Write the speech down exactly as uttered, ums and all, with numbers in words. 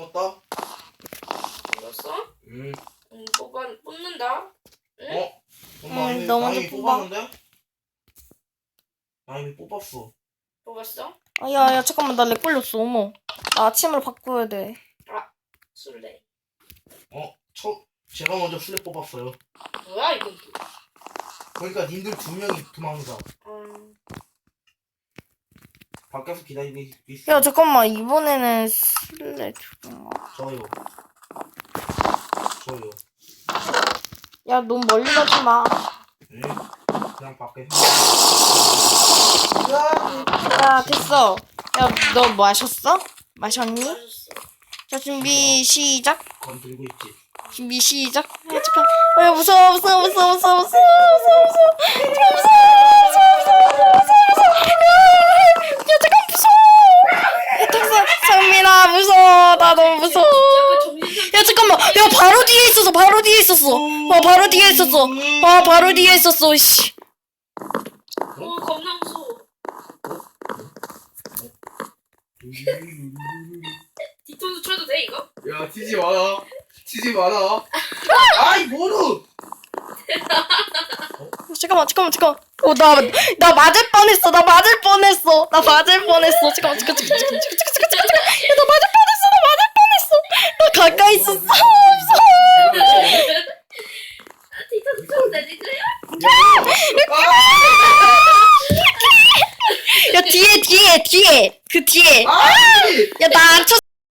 뽑았다. 이겼어? 응. 응, 뽑아, 뽑는다. 응? 어? 응, 너 먼저 뽑아. 뽑았는데? 나 이미 뽑았어. 뽑았어? 아, 야, 야, 잠깐만, 나 렉 걸렸어, 어머. 나 아침으로 바꿔야 돼. 술래. 어? 저 제가 먼저 술래 뽑았어요. 뭐야, 이건. 그러니까 님들 두 명이 도망가. 음, 밖에서 기다리고 있어. 야, 잠깐만, 이번에는 술래 죽인가? 저요. 저요. 야, 너무 멀리 가지 마. 응? 그냥 밖에. 야, 됐어. 야, 너 마셨어? 마셨니? 맛있어. 자, 준비, 시작. 건들고 있지. 준비, 시작. 야, 잠깐. 어, 야, 무서워, 무서워, 무서워, 무서워, 무서워, 무서워, 무서워. 잠깐, 무서워, 무서워, 무서워, 무서워, 무서워. 야, 잠깐, 무서워. 야, 탁사, 상민아, 무서워. 나 너무 무서워. 약간 정신 야, 잠깐만. 야, 바로 뒤에 있었어, 바로 뒤에 있었어. 와, 바로 뒤에 있었어. 와, 바로 뒤에 있었어, 씨. 어, 겁나 무서워. 뒤통수 쳐도 돼, 이거? 야, 튀지 마라. 튀지 마라. 아이, 뭐로? 잠깐만, 잠깐만, 잠깐만. 어, 나, 나 맞을 뻔했어. 나 맞을 뻔했어. 나 맞을 뻔했어. 잠깐만, 잠깐, 잠깐, 잠깐, 잠깐, 잠깐, 잠깐, 잠깐, 잠깐. 야, 나 맞을 뻔했어. 나 맞을 뻔했어. 나 가까이 있었어. 무서워.